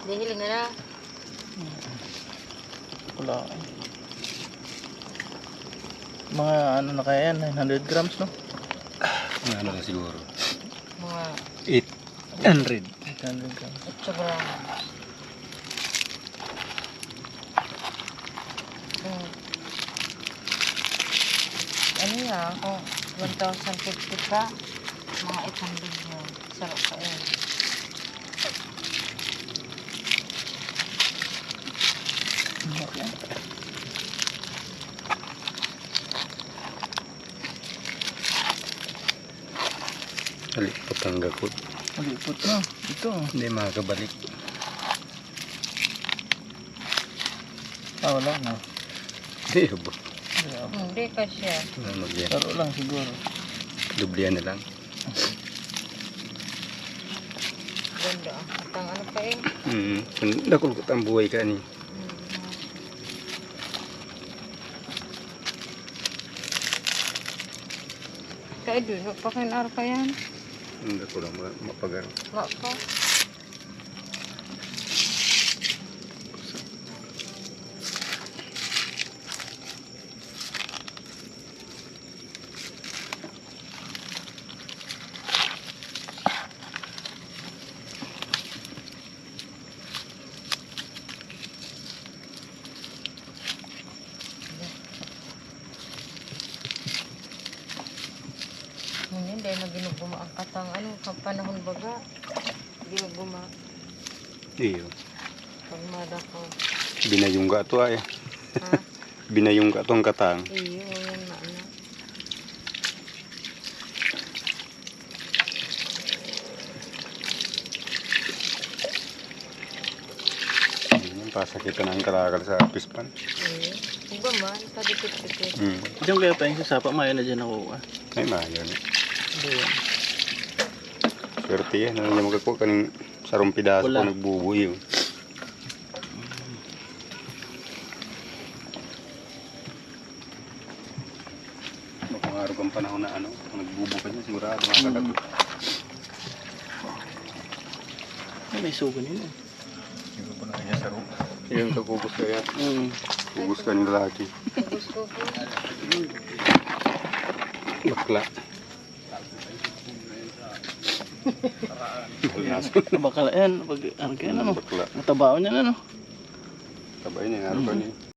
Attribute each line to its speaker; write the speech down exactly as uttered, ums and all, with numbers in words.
Speaker 1: Dahil nga na.
Speaker 2: Wala. Mga ano na kaya yan, nine hundred grams, no?
Speaker 3: Mga ano lang siguro.
Speaker 1: Mga
Speaker 3: eight hundred.
Speaker 2: eight hundred grams.
Speaker 1: eight gram. Hmm. Ano yan? Kung one thousand fifty ka, mga eight hundred yun. Sarap ka yun.
Speaker 3: Halipot ang gakot.
Speaker 2: Malipot na. Ito.
Speaker 3: Hindi makakabalik.
Speaker 2: Ah, wala na.
Speaker 3: Hindi ba?
Speaker 1: Hindi ka siya.
Speaker 3: Ano yan?
Speaker 2: Laro lang siguro.
Speaker 3: Dublihan na lang.
Speaker 1: Ganda. At ang ano pa eh.
Speaker 3: Hmm. Nakulkot ang buhay ka ni.
Speaker 1: Kaya dun, pakinar pa yan.
Speaker 3: Hindi ko lang mapagar.
Speaker 1: Nga pa. Hindi, dahil na ginuguma ang katang ano, kang panahon baga. Ginuguma.
Speaker 3: Iyo.
Speaker 1: Pagmada ko.
Speaker 3: Binayong ka ito ay.
Speaker 1: Ha?
Speaker 3: Binayong ka itong katang.
Speaker 1: Iyo, yan na ano.
Speaker 3: Yan, pasakitan ang kalakal sa pispan.
Speaker 1: Iyo. Iba man, padikit-dikit.
Speaker 3: Hmm.
Speaker 2: Diyan kaya tayong sasapa, mayo na dyan ako. Ah.
Speaker 3: Ay, mayo na.
Speaker 2: Hindi yan.
Speaker 3: Swerte yan. Ano niya magkakuha kaning sarong pidaso
Speaker 2: Wala.
Speaker 3: kung nagbubuhay yun. Mapangarap ang panahon na ano, kung nagbubuhay niya, sigurado makakagat.
Speaker 2: Ay, may sugo nila.
Speaker 3: Siguro pa na niya sarong. Yung kakubos kaya.
Speaker 2: Mm.
Speaker 3: Kubos ka ng lalaki.
Speaker 1: Gusto ko.
Speaker 3: Bakla.
Speaker 2: Bakal yan, pag ano kaya ano,
Speaker 3: Bakla.
Speaker 2: matabaon yan ano.
Speaker 3: Tabay niya, araw ka niya.